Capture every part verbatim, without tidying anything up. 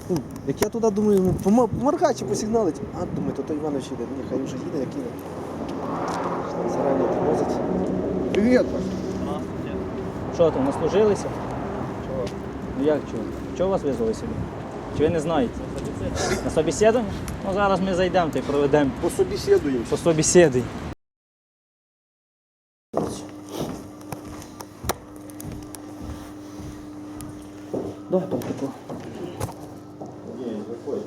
Ну, як я туди думаю, ну, пома- поморгай чи посигналить, а думаю, то той Іванович їде, ну, нехай вже їде, як їде. Зарані тормозить. Привіт, Паш. Що там, наслужилися? Чого? Ну як чого? Чого вас визвали сюди? Чи ви не знаєте? На собеседування? Ну зараз ми зайдемо та й проведемо По собеседуємо. по собеседі. Давай протокол. Ні, заходь.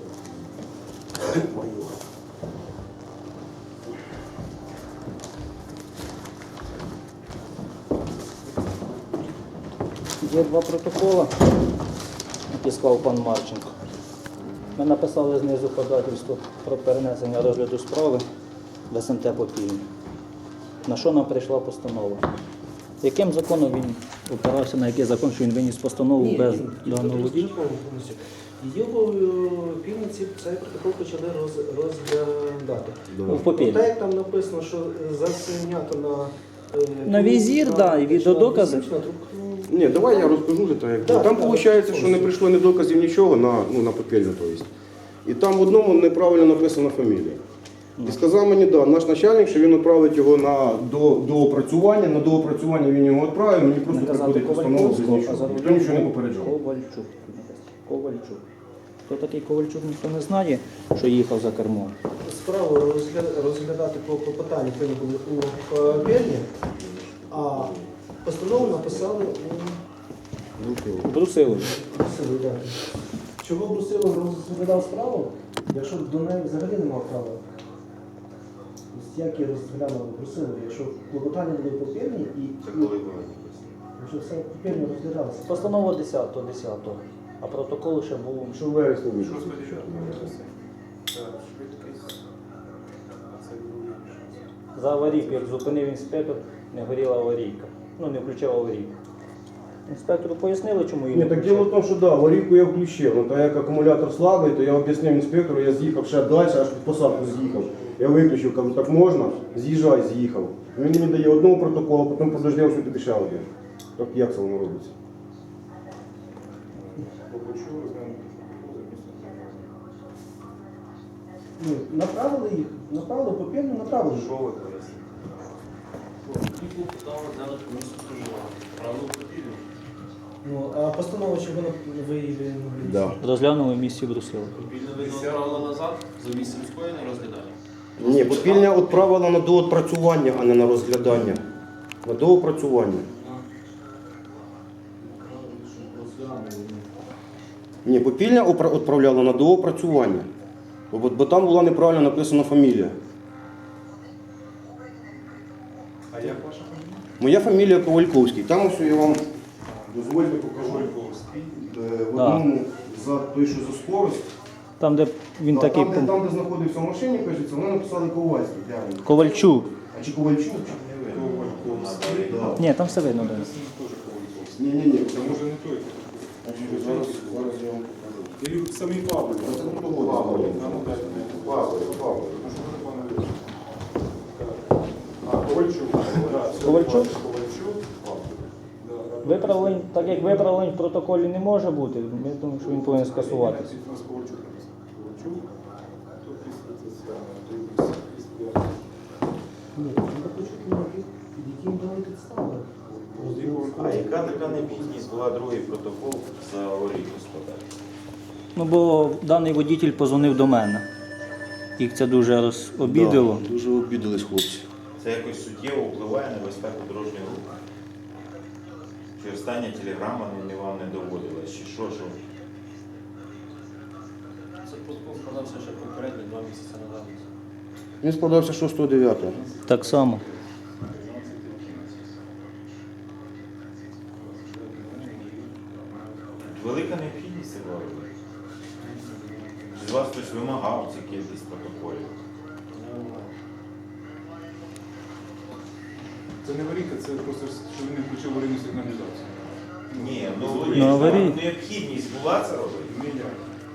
Є два протоколи, які склав пан Марченко. Ми написали знизу ходатайство про перенесення розгляду справи в ес ем те Попільня. На що нам прийшла постанова? Яким законом він опирався, на який закон, що він виніс постанову Ні, без ні, даного водія? закону повністю. Його е, півниці цей протокол почали роз, розглядати. В Попільні. Так як там написано, що заснято на... е, На візір, да, і відеодокази. на трубку. Ні, давай я розкажу вже так, як Да, було. Там да, виходить, да. що не прийшло ні доказів нічого на, ну, на попільну, то есть. І там в одному неправильно написана фамілія. І сказав мені, да, наш начальник, що він відправить його на до, доопрацювання, на доопрацювання він його відправив, мені просто Наказати приходить постанова без Ковальчук, а нічого. за Ніхто нічого не рулем попереджав. Ковальчук. Ковальчук. Хто такий Ковальчук, ніхто не знає, що їхав за кермом. Справу розгля- розглядати по клопотанню повинні були у Попільні, а постанову написали у Брусилові. Брусилові. Да. Чого Брусилов розглядав справу, якщо до неї взагалі не мав права? Ось як я розглянув Брусилові, якщо клопотання були в Попільні і... Це коли було? Якщо все в Попільні розглядалося. Постанова десятого десятого, а протокол ще був. Що в вересні вийшло? За аварійку, як зупинив інспектор, не горіла аварійка. Ну, не включав аварійку. Інспектору пояснили, чому її Ні, не так діло в включав. тому, що да, аварійку я включив, ну, так як акумулятор слабий, то я об'яснив інспектору, я з'їхав ще далі, аж під посадку з'їхав. Я виключив, кажу, так можна, з'їжджай, з'їхав. Він мені дає одного протоколу, а потім подождав, що тобі ще один. Так як це воно робиться? Ну, направили їх, направили в Попільню, направили. Що ви пояснили? Тільки питали зараз комісію проживання. Правило потрібно. Ну, а постанова, чого вона виявили? Да. Розглянули в місті Брусилові. Вільно ви направили назад за місцем скоєння розглядання. Ні, попільня відправила на доопрацювання, а не на розглядання. На доопрацювання. Ні, попільня опра- відправляла на доопрацювання. Бо, бо там була неправильно написана фамілія. А як ваша фамілія? Моя фамілія Ковальковський. Там ось я вам дозвольте покажу. Ковальковський. Е, В одному за той, що за скорость. Там, де він Та, такий там, де, там, де знаходився в машині, кажеться, вони написали Ковальський. Реально. Ковальчук. А чи Ковальчук? Ковальковський. Да. Ні, там все видно. Да. Ні, ні, ні. Це може не той. Зараз, зараз я вам покажу. Или самий Павло. Це не того Павло. А ну дайте мені. Павло, Павло. Ну, що ви, пане Віктор? А, Ковальчук. Да, все, Ковальчук? Ковальчук. Да, да. Виправлень, так як виправлень в протоколі не може бути, ми думаємо, що він повинен скасуватися. У нас Ковальчук написано. Ковальчук. Тут після Тетяна, тут після. Ні, треба почути, під яким дали підстави. А яка така необхідність була другий протокол за аварійку складати? Ну, бо даний водитель позвонив до мене. Їх це дуже розобідило. Да, дуже обідались хлопці. Це якось суттєво впливає на безпеку дорожнього руху? Чи остання телеграма не вам не доводилась? Чи що, що? Це протокол складався ще попередні два місяці назад. Він складався шостого дев'ятого. Так само. Велика необхідність це була робити? Чи з вас хтось вимагав ці кількість протоколів? Це не аварійка, це просто, що він не включив аварійну сигналізацію. Ні, ну, Ну, якщо аварій- необхідність була це робити? Ніяк.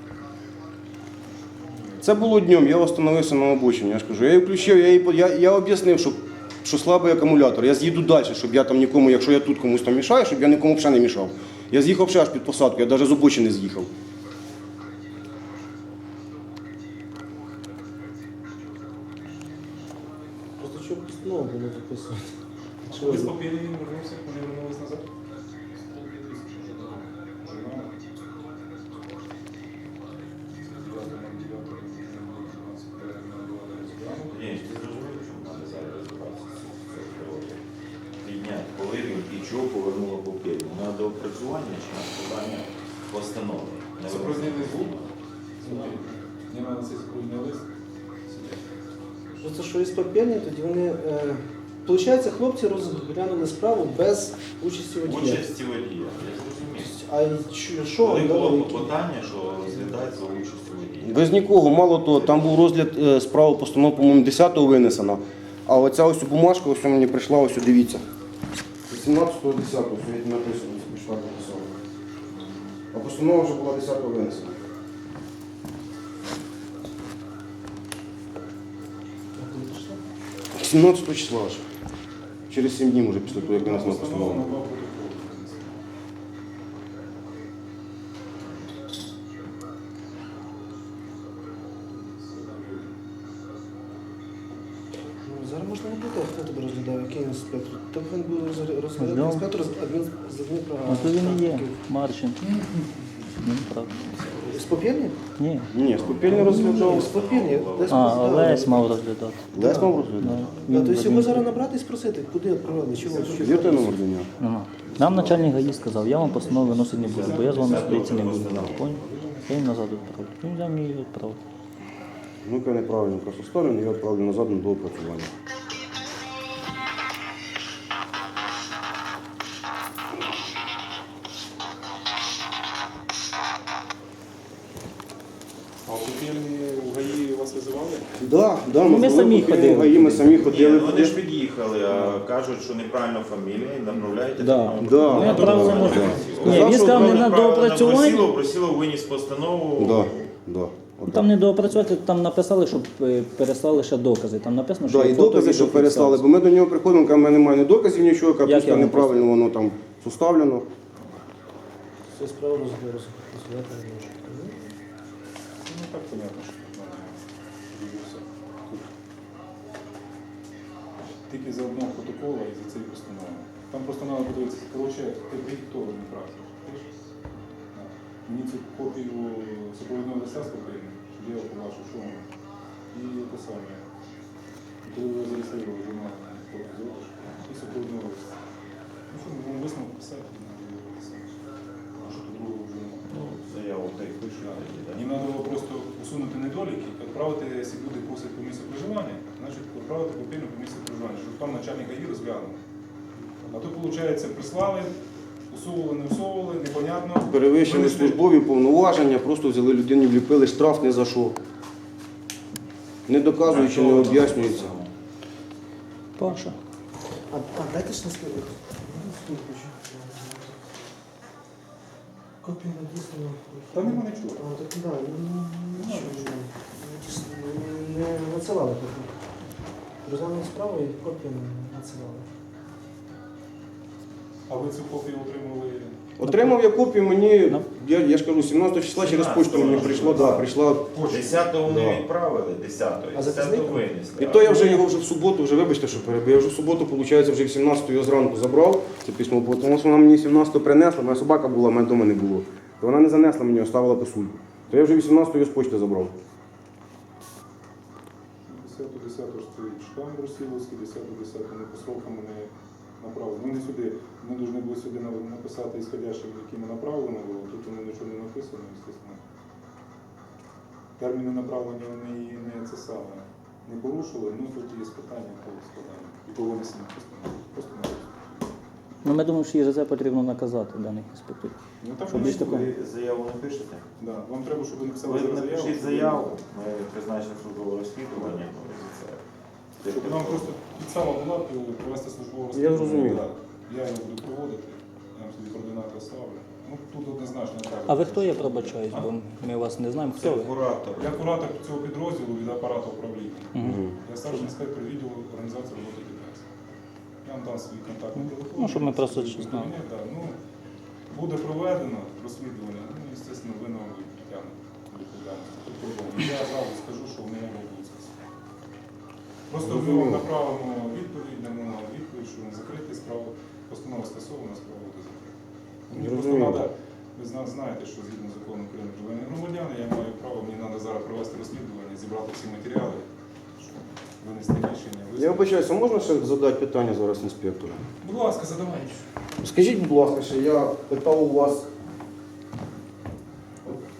Це було днем, я остановився на обочині, я ж кажу. Я її включив, я, її, я, я об'яснив, що, що слабий акумулятор. Я з'їду далі, щоб я там нікому, якщо я тут комусь там мішаю, щоб я нікому взагалі не мішав. Я з'їхав ще аж під посадку, я навіть з обочини з'їхав. виконання постанови. Не Супровідний звук. Мені треба цей супровідний лист. Ну, це що із папірні, тоді вони. Е, Получається, хлопці розглянули справу без участі водія. Участі водія, я зрозумів. А й що- що Коли було дали, які? клопотання, що розглядають за участю водія. Без нікого, мало того, там був розгляд е, справи постанов, по-моєму, десятого винесено. А оця ось бумажка, ось мені прийшла, ось дивіться. сімнадцятого десятого, сьогодні написано, прийшла написала. А постанова вже була десятого винесена. сімнадцятого числа вже. Через сім днів вже після того, як винесена Постанова постанова. на два протоколи. Ну, зараз можна не буде, хто тебе розглядав, який інспектор. Так він буде роз- розглядати Ждем. інспектор з адмін з адмінправа. А то він і є, Марченко. Він прав. З папірні? Ні. Ні, скупільний Ні, розглядав. з папірні. Десь А, розглядали. Олесь мав розглядати. Лесь мав розглядав. Да. А, тобто його зараз набрати і спросити, куди відправили, чого? Є той номер до нього? Ага. Нам начальник ГАІ сказав, я вам постанову виносити не буду, бо я з вами судитися не буду. Понял? Я їм назад відправлю. Він взяв мені її відправив. Ну-ка неправильно просто ставлю, я відправлю назад на доопрацювання. А в Купельні у ГАІ вас визивали? Да, да, Ну, ми самі були ходили. ГАІ, ми самі Ні, ходили. ну вони ж під'їхали, а кажуть, що неправильно фамілія і направляєте. Да. на- Да. Ми Ну, відправили да. на... Да. Ні, Сказав, він що сказав не на Направили доопрацювання. Брусилов, Брусилов виніс постанову. Да, да. Отак. Там не доопрацювати, там написали, щоб е, переслали ще докази. Там написано, що Да, і фото, докази, що відеофіксація. переслали, бо ми до нього приходимо, кажемо, в мене немає ні доказів, нічого, Як капуста я вам неправильно воно там составлено. Це справа розглядати не може. Ну так понятно, що тут треба дивитися. Тут тільки за одного протокола і за цієї постанови. Там просто треба подивитися, коротше, ти диктовано не працюєш. Мені цю копію супровідного листа спокійно, щоб я його побачив, що воно. І те саме. І коли ви його зареєстрували, журнал копію зробиш, і супровідного листа. Ну що, ми будемо висновок писати, і надо його писати. А що тут другого вже немає. Ну, заяву та й пишуть. тоді, да. Їм треба було просто усунути недоліки, відправити, якщо люди просять по місцю проживання, значить відправити копійну по місцю проживання, щоб там начальник ГАІ розглянув. А то, виходить, прислали, усували, не усували, непонятно. Перевищили Винесли. службові повноваження, просто взяли людині, вліпили штраф не за що. Не доказуючи, не об'яснюється. Паша. А, а дайте ж не скажу. Копію надіслано. Та нема нічого. А, так, да, ну, нічого. Надіслано. Не надсилали копію. Розглянули справу і копію не надсилали. А ви цю копію отримали? Отримав я копію, мені, я, я ж кажу, сімнадцятого числа через почту мені прийшло, да, прийшла. десятого вони Да. відправили, десятого, А десятого записник? винесли. І то я вже його вже в суботу, вже вибачте, що перебив. Я вже в суботу, виходить, вже в сімнадцятого його зранку забрав це письмо, бо тому що вона мені сімнадцятого принесла, моя собака була, мене вдома не було. То вона не занесла мені, оставила писульку. То я вже вісімнадцятого його з почти забрав. десятого десятого стоїть штамп Брусиловський, десятого десятого не по срокам не направлено. Вони сюди, ми повинні були сюди на- написати ісходящим, якими направлено було, тут воно нічого не написано, звісно. Терміни направлення вони і не це саме не порушили, ну тут є питання по складанню і по винесенню постанови. Просто не Ну, ми думаємо, що її за це потрібно наказати даних інспекторів. Ну так Щоб вони більш такого. Ви заяву не пишете? Да. Вам треба, щоб ви написали Ви зараз напишіть заяву, ми призначимо службове розслідування. ну, і за це. Щоб нам просто підстава була провести службове Я розслідування. зрозумів. Так. Я його буду проводити, я вам собі координати оставлю. Ну, тут однозначно треба. А ви хто є, пробачаюсь, бо ми вас не знаємо. Це Хто ви? куратор. Я куратор цього підрозділу від апарату управління. Мгм. Я старший інспектор відділу організації роботи ДПС. Я вам дам свій контактний телефон. Ну, щоб ми просто Свій знали. кабінет, да. Ну, буде проведено розслідування, ну, звісно, винного притягнути до відповідальності. Тут по-другому. Я зразу скажу, що не могло бути. Просто ми вам направимо відповідь, дамо вам відповідь, що не закрити справу, постанова скасована, справа буде закрита. Мені просто Зрозуміло. треба, ви зна- знаєте, що згідно закону України про воєнні громадяни, я маю право, мені треба зараз провести розслідування, зібрати всі матеріали, щоб винести рішення. Я висновок. вибачаюся, а можна ще задати питання зараз інспектору? Будь ласка, задавайте. Скажіть, будь ласка, ще я питав у вас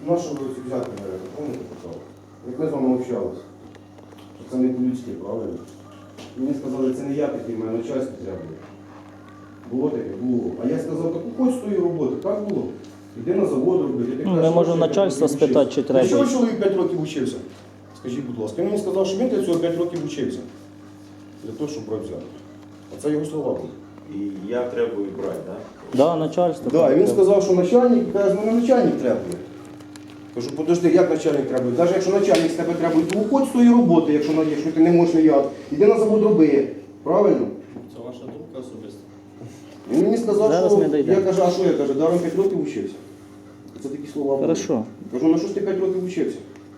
На що ви ці взяти берете? Помните питав? Як ми з вами общалися? Що це не по-людськи, правильно? Мені сказали, це не я такий, мене начальство треба. Було таке? Було. А я сказав, так уходь з тої роботи, так було. Іди на завод робити. Ти Ну, кажеш, ми що можемо я п'ять начальства років спитати, вчився. чи треба. Ну, чого чоловік п'ять років вчився? Скажіть, будь ласка. Він мені сказав, що він для цього п'ять років вчився. Для того, щоб брати взяти. А це його слова були. І я требую брати, так? Да, начальство. Так, і він сказав, що начальник, каже, мене начальник требує. Кажу, подожди, як начальник требує? Навіть якщо начальник з тебе требує, то уходь з тої роботи, якщо, на- якщо ти не можеш ніяк. Іди на завод роби. Правильно? Це ваша думка особиста. Він мені сказав, Зараз що ми дійдемо. я кажу, а що я кажу, даром п'ять років вчився. Це такі слова були. Хорошо. Кажу, на що ж ти п'ять років вчився?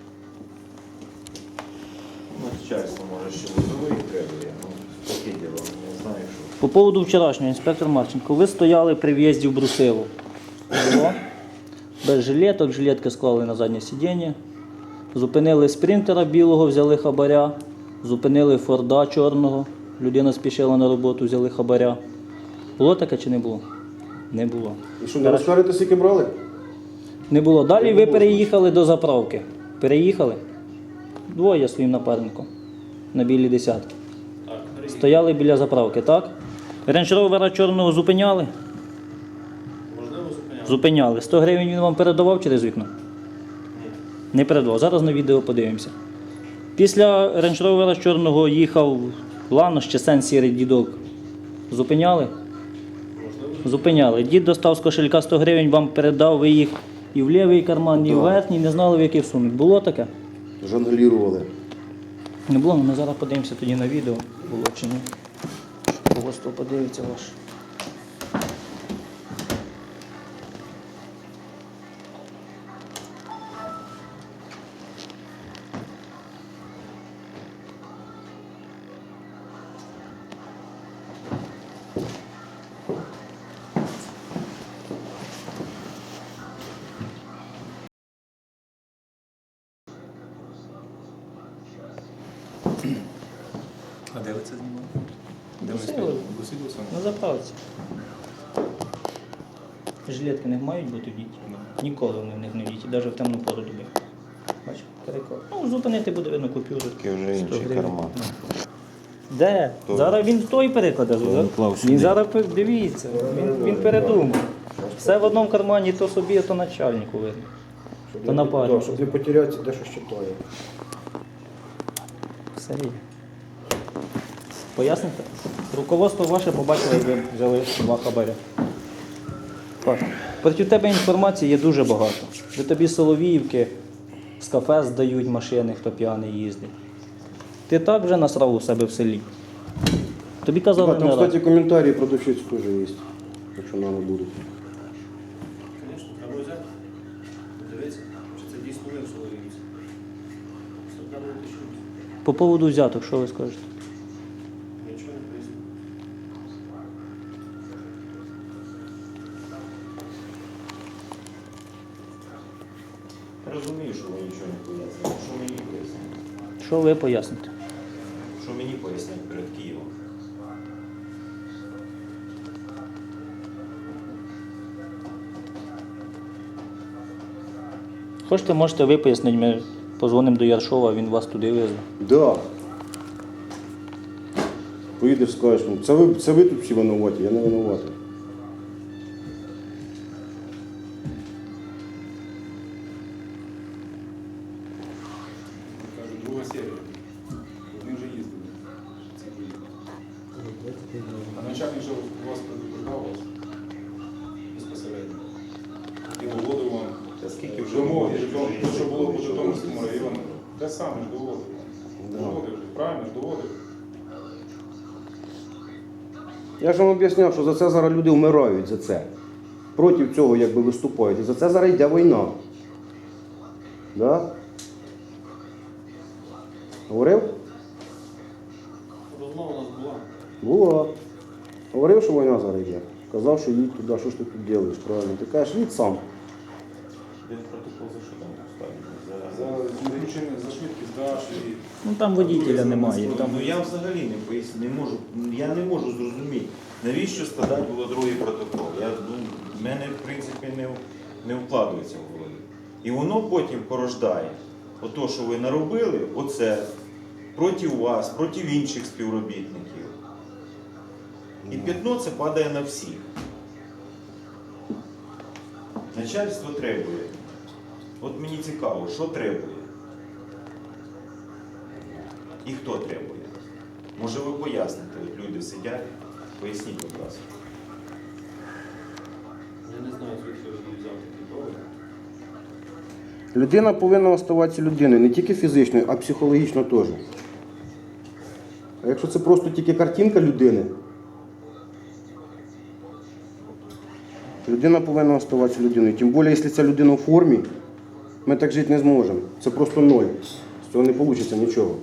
Ну, начальство, може, ще вузовий требує. Ну, таке діло, не знаю, що. По поводу вчорашнього, інспектор Марченко, ви стояли при в'їзді в Брусилов. Було? Без жилеток, жилетки склали на заднє сидіння. Зупинили спринтера білого, взяли хабаря. Зупинили Форда чорного. Людина спішила на роботу, взяли хабаря. Було таке чи не було? Не було. І що, не розкажете, скільки брали? Не було. Далі ви переїхали до заправки. Переїхали. Двоє своїм напарником. На білій десятки. Так, перевірте. Стояли біля заправки, так? Рейндж-ровера чорного зупиняли? Можливо, зупиняли? Зупиняли. сто гривень він вам передавав через вікно? Ні. Не передавав. Зараз на відео подивимося. Після рейндж-ровера чорного їхав Ланош чи Сен сірий дідок. Зупиняли? Можливо. Зупиняли. Дід достав з кошелька сто гривень, вам передав, ви їх і в лівий карман, і в верхній, не знали, в який всунуть. Було таке? Жонглірували. Не було, ми зараз подивимося тоді на відео, було чи ні. Когось то подивиться ваш. А де ви це знімали? Де ви Брусилов. стояли? Брусилов саме? На заправці. Жилетки не мають бути в діті. Ніколи вони в них не в діті, навіть в темну пору доби. Бачиш, переклад. Ну, зупинити буде видно купюру. Таке вже інший сто гривень. карман. Ну. Де? То- Зараз він той перекладе. він клав Він сюди. зараз пи- дивіться, він, він передумав. Все в одному кармані, то собі, то начальнику видно. То напарник. Щоб не потеряти, де що читає. Все є. Поясните? Руководство ваше побачило, як ви взяли два хабаря. Так. Проти тебе інформації є дуже багато. Ви тобі Соловіївки з кафе здають машини, хто п'яний їздить. Ти так вже насрав у себе в селі. Тобі казали Там, не раз. кстати, коментарі продавщиць теж є, якщо нам будуть. Звісно, треба взяти. Подивитися, чи це дійсно ви в Соловіївці. Це треба уточнити. По поводу взяток, що ви скажете? Нічого не поясню. Розумію, що ви нічого не пояснюєте. Що мені пояснити? Що ви поясните? Що мені пояснити перед Києвом? Хочете, можете ви пояснити, ми позвонимо до Яршова, він вас туди везде. Да. Поїдеш, скажеш, ну, це ви, це ви тут всі винуваті, я не винуватий. Кажуть, друга серія. Вони вже їздили. Це ви. А начальник вже вас предупреждав вас безпосередньо. І доводив вам Та скільки вже вимоги, років що- вже що було по їздили, що Житомирському ви району. їздили? Те саме ж доводив. Да. Доводив же, правильно ж доводив. Я ж вам об'ясняв, що за це зараз люди вмирають, за це. Проти цього якби виступають. І за це зараз йде війна. Да? Говорив? Розмова у нас була. Була. Говорив, що війна зараз йде. Казав, що їдь туди, що ж ти тут робиш, правильно. Ти кажеш, їдь сам. Він протокол за що там поставили? За зміщення, за швидкість даш і... Ну там водителя немає. Там... Ну я взагалі не поясню, не можу, я не можу зрозуміти, навіщо складати було другий протокол. Я, ну, в мене, в принципі, не, не вкладується в голові. І воно потім порождає. Ото, що ви наробили, оце проти вас, проти інших співробітників. І п'ятно це падає на всіх. Начальство требує. От мені цікаво, що требує? І хто требує? Може ви поясните, от люди сидять, поясніть, будь ласка. Я не знаю, звідки ви взяв такі доводи. Людина повинна оставатися людиною, не тільки фізичною, а психологічно теж. А якщо це просто тільки картинка людини, людина повинна оставатися людиною. Тим більше, якщо ця людина в формі, ми так жити не зможемо. Це просто ноль. З цього не вийде нічого.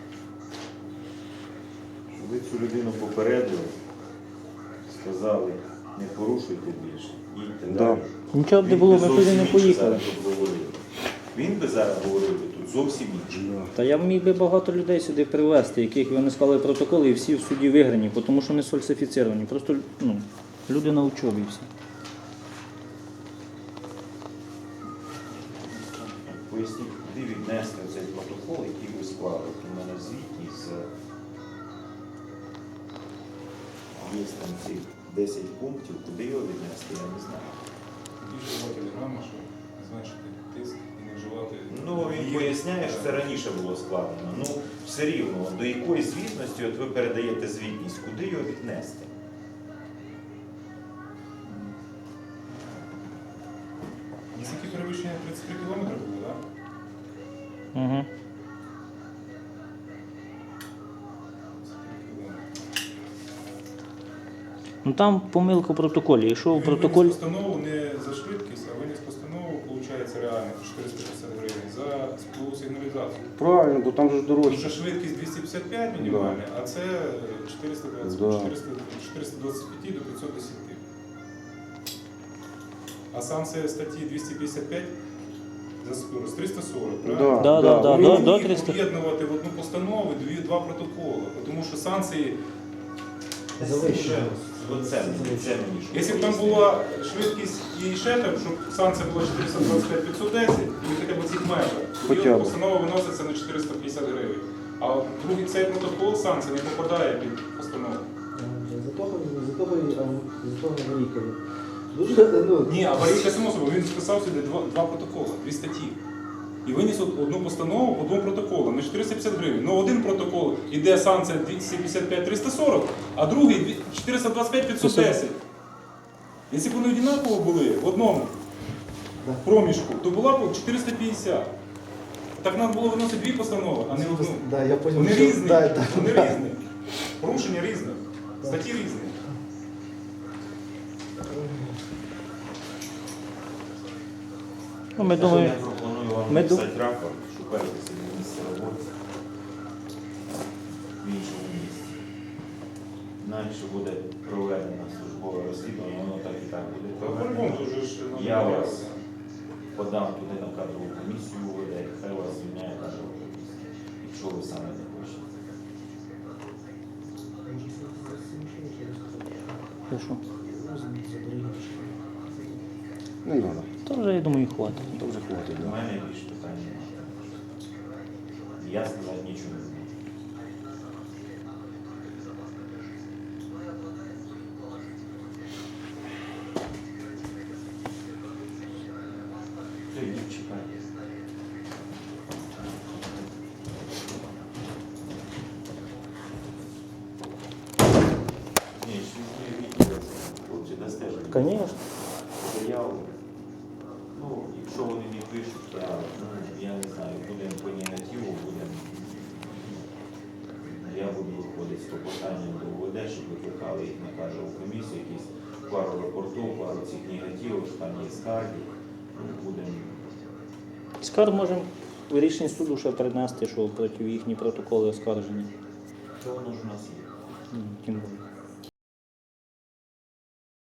Щоб ви цю людину попередили, сказали, не порушуйте більше, їдьте Да. далі. Нічого б не Він було, би ми туди зовсім не інше поїхали. зараз тут говорив. Він би зараз говорив би тут зовсім інше. Та я міг би багато людей сюди привезти, яких вони склали протоколи і всі в суді виграні, тому що не сфальсифіціровані. Просто ну, люди на учобі всі. Поясніть, куди віднести цей протокол, який ви склали. От у мене звітність з є там ці десять пунктів, куди його віднести, я не знаю. Тоді вживати телеграма, щоб зменшити тиск і не вживати. Ну, він поясняє, що це раніше було складено. Ну, все рівно, до якої звітності от ви передаєте звітність, куди його віднести? Наскільки перевищення тридцять три кілометри було, так? Угу. Ну там помилка в протоколі. Якщо в Він протоколі. виніс постанову не за швидкість, а виніс постанову, виходить, реально чотириста п'ятдесят гривень за сплову сигналізацію. Правильно, бо там же ж Тому дорожче. що швидкість двісті п'ятдесят п'ять мінімальна, а це чотириста двадцять, Да. чотириста, чотириста двадцять п'ять до п'ятсот десять. А санкція статті двісті п'ятдесят п'ять за скорость триста сорок, правильно? Да, да, да, Він до- не до міг триста. об'єднувати в одну постанову дві, два протоколи, тому що санкції, Завищено. Оце мені, це мені. що якщо б там пояснити. була швидкість і ще там, щоб санкція була чотириста двадцять п'ять п'ятсот десять, і хоча б цих межах, тоді Хоча б. постанова виноситься на чотириста п'ятдесят гривень. А от другий цей протокол санкція не попадає під постанову. За того, за того, і, а, за того Варікові. Дуже, ну, Ні, аварійка само собою, він списав сюди два, два протоколи, дві статті. І виніс од- одну постанову по двом протоколам на чотириста п'ятдесят гривень. Ну один протокол іде санкція двісті п'ятдесят п'ять триста сорок, а другий дві- чотириста двадцять п'ять п'ятсот десять. Якщо б вони однаково були в одному проміжку, то була б чотириста п'ятдесят. Так нам було виносити дві постанови, а не одну. да, я понял, Вони що- різні, да, да, вони да. різні. Порушення різне, статті різні. Ну, ми Я думаємо, пропоную вам ми написати рапорт, шукайте собі місце роботи в іншому місці. Інакше буде проведено службове розслідування, воно так і так буде Та по-любому проведено. вже ж нам Я не вас треба. подам туди на кадрову комісію УВД, хай вас звільняє кадрова комісія, якщо ви саме не хочете. Ти що? Не треба. Та вже, я думаю, хватить. То вже хватить. У Да. мене більше питань немає. Я сказати нічого не можу. Все, йдіть, чекайте. Ні, ще не відео. Хлопці, дасте ж мені Звісно. заяву. Ну, якщо вони не пишуть, я, ну, я не знаю, будемо по негативу, будемо. Я буду виходити з клопотанням до УВД, щоб викликали їх на кадрову комісію, якісь пару рапортів, пару цих негативів, що там є скарги. Ну, будемо. Скарг можемо в рішенні суду ще принести, що проти їхні протоколи оскаржені. Що воно ж у нас є?